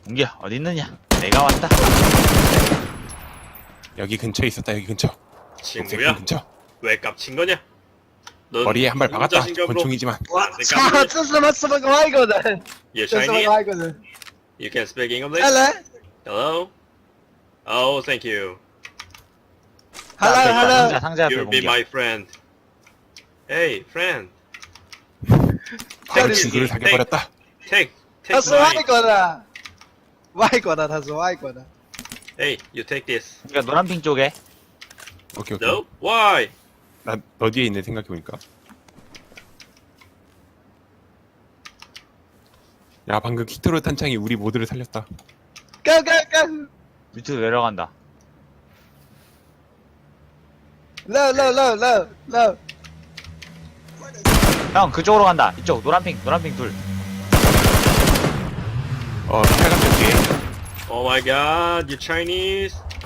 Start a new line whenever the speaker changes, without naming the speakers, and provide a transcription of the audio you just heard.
웅기야 어디 있느냐? 내가 왔다.
여기 근처에 있었다. 여기 근처. 녹색
친구야,
근처.
왜 깝친 거냐? 넌
머리에 한 발
무슨
박았다.
자신감으로
권총이지만.
나한테
操，
깝느냐?
这什么外国人？
You
这什么
Chinese?
外国人？
You can speak English?
来
Hello? Oh, thank you.
，Hello Hello，
상자 앞에
You'll be
웅기야.
my friend. Hey, friend.
바로 친구를 사귀어버렸다.
Take
他是外
mine.
国的，外国的，他是外国的。
Hey, you take this.
그러니까 노란핑 쪽에.
오케이 오케이.
No? Why?
나너 뒤에 있네 생각해보니까. 야 방금 키토로 탄창이 우리 모두를 살렸다.
Go go go！
밑으로 내려간다.
Low low low low low。
형 그쪽으로 간다. 이쪽 노란핑 둘.
빨간색 뒤에.
Oh my god, you Chinese?